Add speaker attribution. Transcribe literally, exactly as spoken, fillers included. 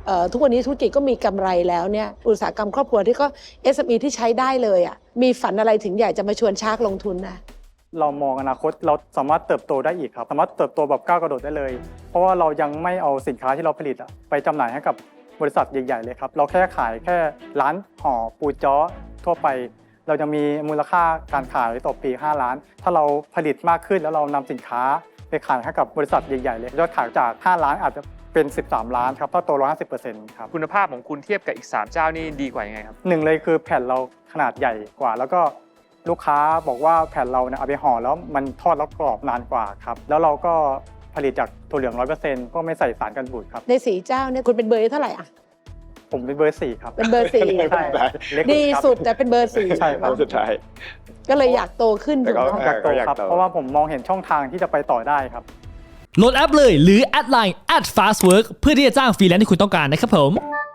Speaker 1: ทุกวันนี้ธุรกิจก็มีกำไรแล้วเนี่ยอุตสาหกรรมครอบครัวที่ก็ เอส เอ็ม อี ที่ใช้ได้เลยอ่ะมีฝันอะไรถึงอยากจะมาชวนชาร์กลงทุนนะ
Speaker 2: เรามองอนาคตเราสามารถเติบโตได้อีกครับสามารถเติบโตแบบก้าวกระโดดได้เลยเพราะว่าเรายังไม่เอาสินค้าที่เราผลิตไปจำหน่ายให้กับบริษัทใหญ่ๆเลยครับเราแค่ขายแค่ร้านห่อปูจ้อทั่วไปเราจะมีมูลค่าการขายต่อปีห้าล้านถ้าเราผลิตมากขึ้นแล้วเรานำสินค้าไปขายให้กับบริษัทใหญ่ๆเลยยอดขายจากห้าล้านอาจจะเป็นสิบสามล้านครับถ้าโต หนึ่งร้อยห้าสิบเปอร์เซ็นต์ ครับ
Speaker 3: คุณภาพของคุณเทียบกับอีกสามเจ้านี่ดีกว่ายังไงครับ
Speaker 2: หนึ่งเลยคือแผ่นเราขนาดใหญ่กว่าแล้วก็ลูกค้าบอกว่าแผ่นเราเนี่ยเอาไปห่อแล้วมันทอดแล้วกรอบนานกว่าครับแล้วเราก็ผลิตจากถั่วเหลือง ร้อยเปอร์เซ็นต์ ก็ไม่ใส่สารกันบูดครับ
Speaker 1: ในสี่เจ้าเนี่ยคุณเป็นเบอร์เท่าไหร่อ่ะ
Speaker 2: ผมเป็นเบอร์สี่ครับ
Speaker 1: เป็นเบอร์สี่ดีสุดแต่เป็นเบอร์สี่
Speaker 2: ใช่ครับ
Speaker 4: สุดท้าย
Speaker 1: ก็เลยอยากโตขึ้นถูกไหม
Speaker 2: อยากโตครับเพราะว่าผมมองเห็นช่องทางที่จะไปต่อได้ครับ
Speaker 5: โหลดแอปเลยหรือแอดไลน์ แอท ฟาสต์เวิร์ก เพื่อที่จะจ้างฟรีแลนซ์ที่คุณต้องการนะครับผม